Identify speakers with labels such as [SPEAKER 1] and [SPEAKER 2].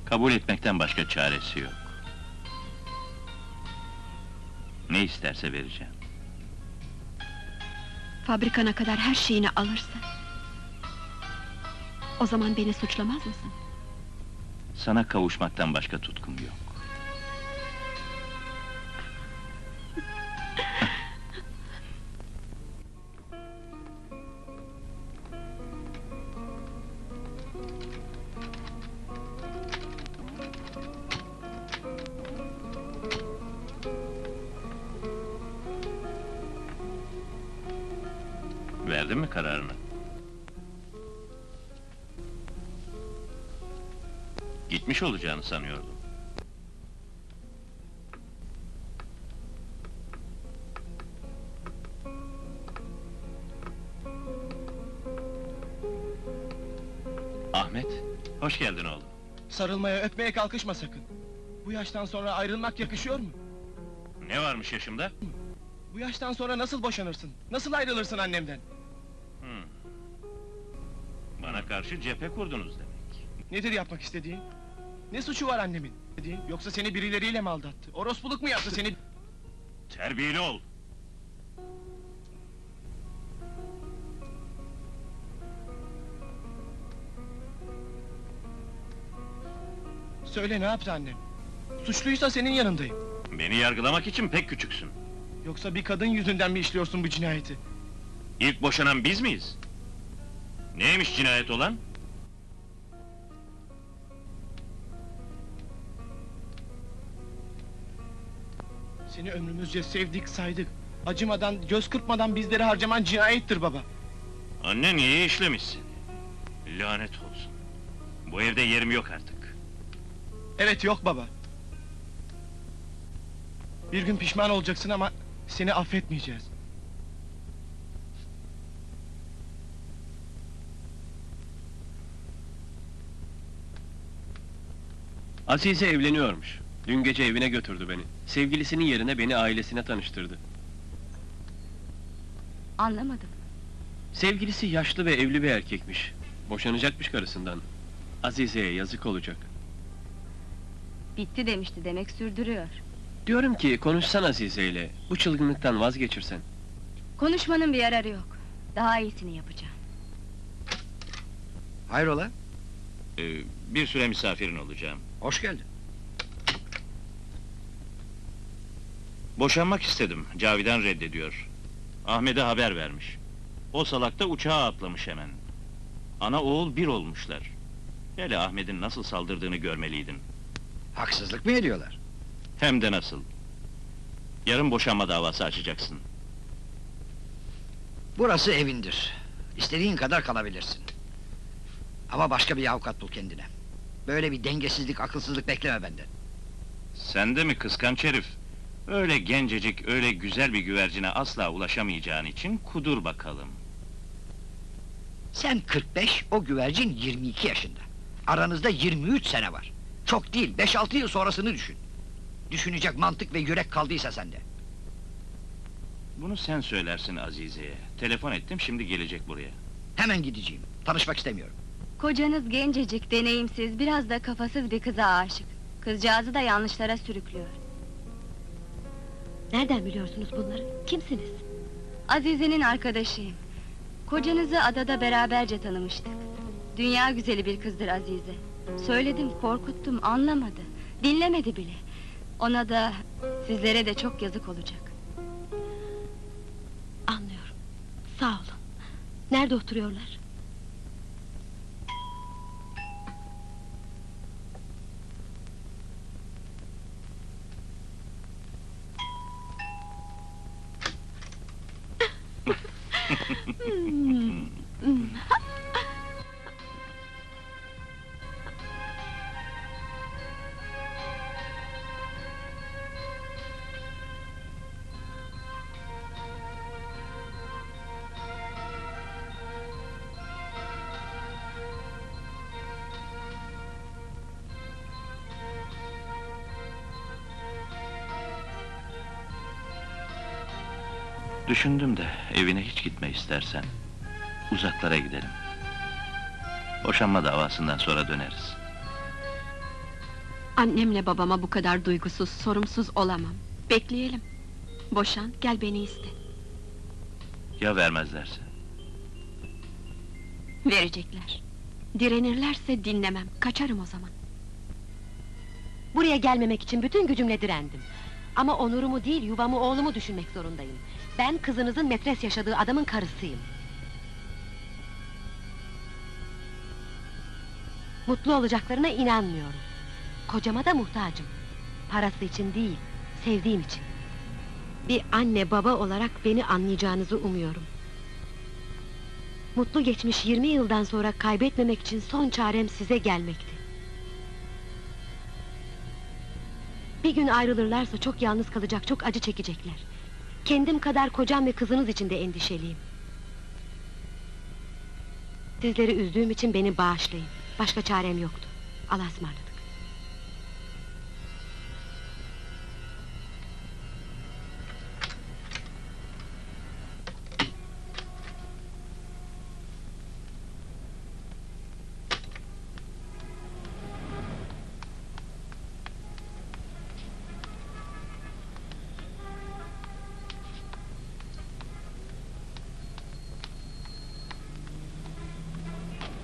[SPEAKER 1] Kabul etmekten başka çaresi yok. Ne isterse vereceğim.
[SPEAKER 2] Fabrikana kadar her şeyini alırsa... O zaman beni suçlamaz mısın?
[SPEAKER 1] Sana kavuşmaktan başka tutkum yok. Verdin mi kararını? Gitmiş olacağını sanıyordum. Ahmet, hoş geldin oğlum.
[SPEAKER 3] Sarılmaya, öpmeye kalkışma sakın. Bu yaştan sonra ayrılmak yakışıyor mu?
[SPEAKER 1] Ne varmış yaşımda?
[SPEAKER 3] Bu yaştan sonra nasıl boşanırsın? Nasıl ayrılırsın annemden?
[SPEAKER 1] Bana karşı cephe kurdunuz demek.
[SPEAKER 3] Nedir yapmak istediğin? Ne suçu var annemin? Yoksa seni birileriyle mi aldattı? Orospuluk mu yaptı seni?
[SPEAKER 1] Terbiyeli ol!
[SPEAKER 3] Söyle, ne yaptı annem? Suçluysa senin yanındayım.
[SPEAKER 1] Beni yargılamak için pek küçüksün.
[SPEAKER 3] Yoksa bir kadın yüzünden mi işliyorsun bu cinayeti?
[SPEAKER 1] İlk boşanan biz miyiz? Neymiş cinayet olan?
[SPEAKER 3] Seni ömrümüzce sevdik, saydık. Acımadan, göz kırpmadan bizleri harcaman cinayettir baba.
[SPEAKER 1] Annen iyi işlemişsin. Lanet olsun. Bu evde yerim yok artık.
[SPEAKER 3] Evet, yok baba. Bir gün pişman olacaksın ama seni affetmeyeceğiz.
[SPEAKER 4] Azize evleniyormuş. Dün gece evine götürdü beni. Sevgilisinin yerine beni ailesine tanıştırdı.
[SPEAKER 2] Anlamadım.
[SPEAKER 4] Sevgilisi yaşlı ve evli bir erkekmiş. Boşanacakmış karısından. Azize'ye yazık olacak.
[SPEAKER 2] Bitti demişti, demek sürdürüyor.
[SPEAKER 4] Diyorum ki konuşsan Azize'yle, bu çılgınlıktan vazgeçirsen.
[SPEAKER 2] Konuşmanın bir yararı yok. Daha iyisini yapacağım.
[SPEAKER 5] Hayrola?
[SPEAKER 1] Bir süre misafirin olacağım.
[SPEAKER 5] Hoş geldin.
[SPEAKER 1] Boşanmak istedim, Cavidan reddediyor. Ahmet'e haber vermiş. O salak da uçağa atlamış hemen. Ana oğul bir olmuşlar. Hele Ahmet'in nasıl saldırdığını görmeliydin.
[SPEAKER 5] Haksızlık mı ediyorlar?
[SPEAKER 1] Hem de nasıl. Yarın boşanma davası açacaksın.
[SPEAKER 5] Burası evindir. İstediğin kadar kalabilirsin. Ama başka bir avukat bul kendine. Böyle bir dengesizlik, akılsızlık bekleme benden.
[SPEAKER 1] Sen de mi kıskanç herif? Öyle gencecik, öyle güzel bir güvercine asla ulaşamayacağın için kudur bakalım.
[SPEAKER 5] Sen 45, o güvercin 22 yaşında. Aranızda 23 sene var. Çok değil, 5-6 yıl sonrasını düşün. Düşünecek mantık ve yürek kaldıysa sende.
[SPEAKER 1] Bunu sen söylersin Azize'ye. Telefon ettim, şimdi gelecek buraya.
[SPEAKER 5] Hemen gideceğim, tanışmak istemiyorum.
[SPEAKER 2] Kocanız gencecik, deneyimsiz, biraz da kafasız bir kıza aşık. Kızcağızı da yanlışlara sürüklüyor.
[SPEAKER 6] Nereden biliyorsunuz bunları? Kimsiniz?
[SPEAKER 2] Azize'nin arkadaşıyım. Kocanızı adada beraberce tanımıştık. Dünya güzeli bir kızdır Azize. Söyledim, korkuttum, anlamadı. Dinlemedi bile. Ona da, sizlere de çok yazık olacak.
[SPEAKER 6] Anlıyorum. Sağ olun. Nerede oturuyorlar?
[SPEAKER 1] Düşündüm de evine hiç gitme istersen. Uzaklara gidelim. Boşanma davasından sonra döneriz.
[SPEAKER 6] Annemle babama bu kadar duygusuz, sorumsuz olamam. Bekleyelim. Boşan, gel beni iste.
[SPEAKER 1] Ya vermezlerse?
[SPEAKER 6] Verecekler. Direnirlerse dinlemem, kaçarım o zaman. Buraya gelmemek için bütün gücümle direndim. Ama onurumu değil, yuvamı, oğlumu düşünmek zorundayım. Ben kızınızın metres yaşadığı adamın karısıyım. Mutlu olacaklarına inanmıyorum. Kocama da muhtacım. Parası için değil, sevdiğim için. Bir anne baba olarak beni anlayacağınızı umuyorum. Mutlu geçmiş 20 yıldan sonra kaybetmemek için son çarem size gelmekti. Bir gün ayrılırlarsa çok yalnız kalacak, çok acı çekecekler. Kendim kadar kocam ve kızınız için de endişeliyim. Sizleri üzdüğüm için beni bağışlayın. Başka çarem yoktu. Allah'a ısmarladık.